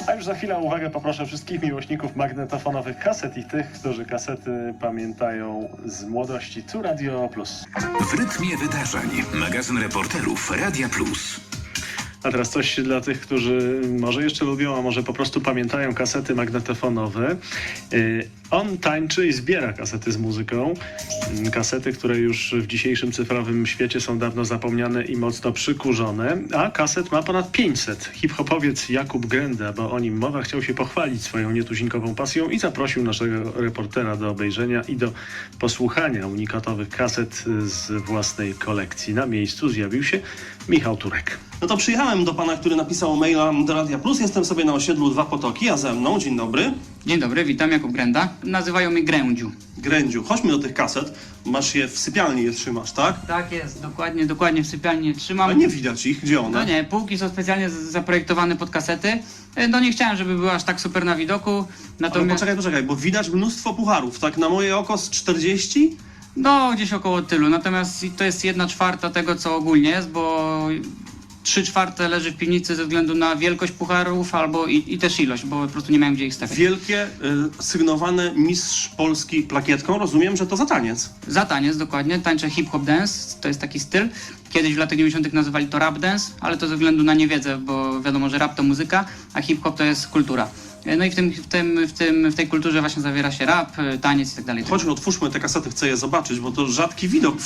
A już za chwilę o uwagę poproszę wszystkich miłośników magnetofonowych kaset i tych, którzy kasety pamiętają z młodości. Tu Radio Plus. W rytmie wydarzeń. Magazyn reporterów Radia Plus. A teraz coś dla tych, którzy może jeszcze lubią, a może po prostu pamiętają kasety magnetofonowe. On tańczy i zbiera kasety z muzyką. Kasety, które już w dzisiejszym cyfrowym świecie są dawno zapomniane i mocno przykurzone. A kaset ma ponad 500. Hip-hopowiec Jakub Grenda, bo o nim mowa, chciał się pochwalić swoją nietuzinkową pasją i zaprosił naszego reportera do obejrzenia i do posłuchania unikatowych kaset z własnej kolekcji. Na miejscu zjawił się Michał Turek. No to przyjechałem do pana, który napisał maila do Radia Plus. Jestem sobie na osiedlu Dwa Potoki, a ze mną, dzień dobry. Dzień dobry, witam, Jakub Grenda. Nazywają mnie Grędziu. Grędziu, chodźmy do tych kaset. Masz je w sypialni, je trzymasz, tak? Tak jest, dokładnie w sypialni trzymam. A nie widać ich, gdzie one? No nie, półki są specjalnie zaprojektowane pod kasety. No nie chciałem, żeby były aż tak super na widoku. Ale poczekaj, bo widać mnóstwo pucharów, tak na moje oko z 40? No, gdzieś około tylu, natomiast to jest 1/4 tego, co ogólnie jest, bo 3/4 leży w piwnicy ze względu na wielkość pucharów albo i też ilość, bo po prostu nie miałem gdzie ich stawiać. Wielkie, sygnowane mistrz Polski plakietką, rozumiem, że to za taniec. Za taniec, dokładnie, tańczę hip-hop dance, to jest taki styl. Kiedyś w latach 90. nazywali to rap dance, ale to ze względu na niewiedzę, bo wiadomo, że rap to muzyka, a hip-hop to jest kultura. No i w tej kulturze właśnie zawiera się rap, taniec i tak dalej. Chodźmy, otwórzmy te kasety, chcę je zobaczyć, bo to rzadki widok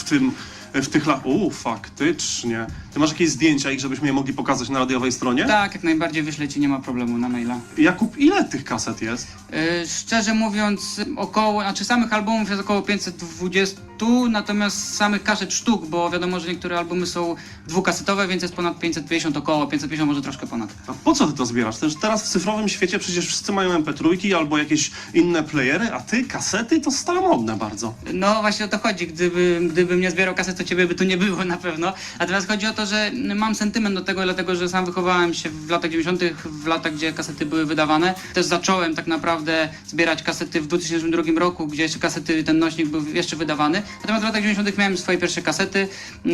w tych latach. Faktycznie. Ty masz jakieś zdjęcia ich, żebyśmy je mogli pokazać na radiowej stronie? Tak, jak najbardziej wyślę ci, nie ma problemu na maila. Jakub, ile tych kaset jest? Szczerze mówiąc, samych albumów jest około 520, natomiast samych kaset sztuk, bo wiadomo, że niektóre albumy są dwukasetowe, więc jest ponad 550, około 550, może troszkę ponad. A po co ty to zbierasz? Teraz w cyfrowym świecie przecież wszyscy mają MP3 albo jakieś inne playery, a ty kasety to staromodne bardzo. No właśnie o to chodzi, gdybym nie zbierał kaset, to ciebie by tu nie było na pewno. A teraz chodzi o to, że mam sentyment do tego, dlatego że sam wychowałem się w latach 90., w latach, gdzie kasety były wydawane. Też zacząłem tak naprawdę zbierać kasety w 2002 roku, gdzie jeszcze kasety, ten nośnik był jeszcze wydawany. Natomiast w latach 90. miałem swoje pierwsze kasety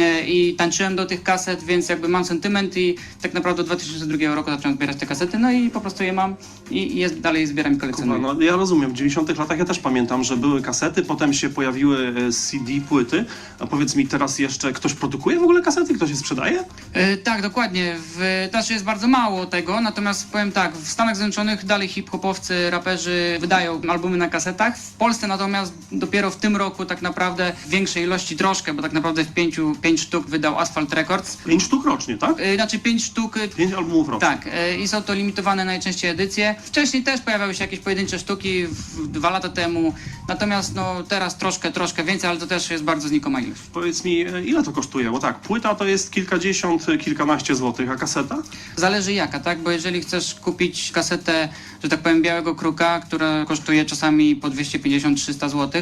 i tańczyłem do tych kaset, więc jakby mam sentyment i tak naprawdę od 2002 roku zacząłem zbierać te kasety, no i po prostu je mam i dalej zbieram i kolekcjonuję. No, ja rozumiem, w 90 latach ja też pamiętam, że były kasety, potem się pojawiły CD, płyty. A powiedz mi, teraz jeszcze ktoś produkuje w ogóle kasety? Ktoś je sprzedaje? Tak, dokładnie. Też jest bardzo mało tego, natomiast powiem tak, w Stanach Zjednoczonych dalej hip-hopowcy, raperzy wydają albumy na kasetach. W Polsce natomiast dopiero w tym roku tak naprawdę w większej ilości troszkę, bo tak naprawdę w 5 sztuk wydał Asphalt Records. 5 sztuk rocznie, tak? Znaczy 5 sztuk... 5 albumów rocznie. Tak, i są to limitowane najczęściej edycje. Wcześniej też pojawiały się jakieś pojedyncze sztuki 2 lata temu, natomiast no teraz troszkę więcej, ale to też jest bardzo znikoma ilość. Powiedz mi, ile to kosztuje? Bo tak, płyta to jest kilkadziesiąt, kilkanaście złotych, a kaseta? Zależy jaka, tak? Bo jeżeli chcesz kupić kasetę, że tak powiem, Białego Kruka, która kosztuje czasami po 250-300 zł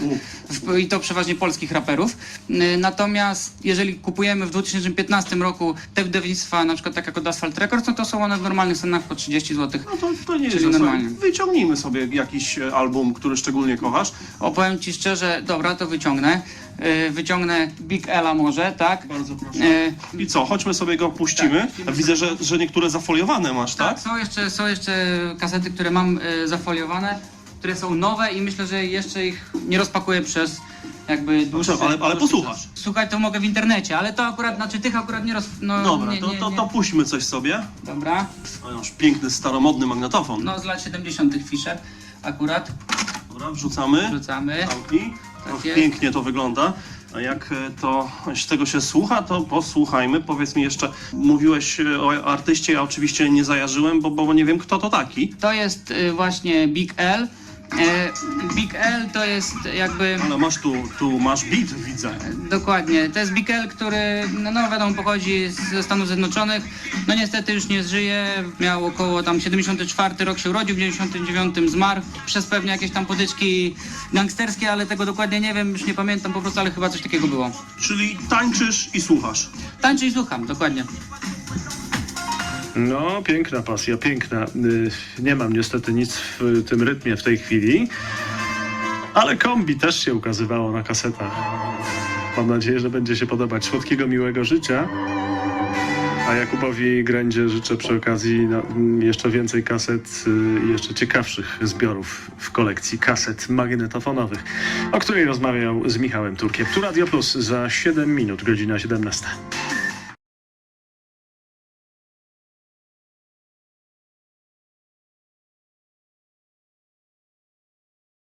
i to przeważnie polskich raperów. Natomiast jeżeli kupujemy w 2015 roku te wydawnictwa, na przykład tak jak od Asphalt Records, no to są one w normalnych cenach po 30 zł. No to nie Czyli jest normalnie. Wyciągnijmy sobie jakiś album, który szczególnie kochasz. Opowiem ci szczerze, dobra, to wyciągnę. Wyciągnę Big Ela może, tak? Bardzo proszę. I co, chodźmy sobie go puścimy. Tak. Widzę, że niektóre zafoliowane masz, tak? Tak, są jeszcze kasety, które mam zafoliowane, które są nowe i myślę, że jeszcze ich nie rozpakuję przez jakby dłuższy... Ale posłuchasz. Słuchaj, to mogę w internecie, ale to akurat, znaczy tych akurat nie no, Dobra, nie. to puśćmy coś sobie. Dobra, O, już piękny, staromodny magnetofon. no z lat 70. Fisher akurat, Dobra, wrzucamy. wrzucamy. Zamknij. Tak jest. Pięknie to wygląda. A jak to z tego się słucha, to posłuchajmy. Powiedz mi jeszcze, mówiłeś o artyście, ja oczywiście nie zajarzyłem, bo nie wiem, kto to taki. To jest właśnie Big L. Big L to jest jakby... Ale masz tu masz beat, widzę. Dokładnie. To jest Big L, który, no wiadomo, pochodzi ze Stanów Zjednoczonych. No niestety już nie żyje. Miał około tam 74 rok się urodził, w 99 zmarł. Przez pewnie jakieś tam potyczki gangsterskie, ale tego dokładnie nie wiem, już nie pamiętam po prostu, ale chyba coś takiego było. Czyli tańczysz i słuchasz. Tańczę i słucham, dokładnie. No, piękna pasja, piękna. Nie mam niestety nic w tym rytmie w tej chwili, ale kombi też się ukazywało na kasetach. Mam nadzieję, że będzie się podobać. Słodkiego, miłego życia. A A Jakubowi Grędzie życzę przy okazji jeszcze więcej kaset i jeszcze ciekawszych zbiorów w kolekcji kaset magnetofonowych, o której rozmawiał z Michałem Turkiem. Tu Radio Plus za 7 minut, godzina 17.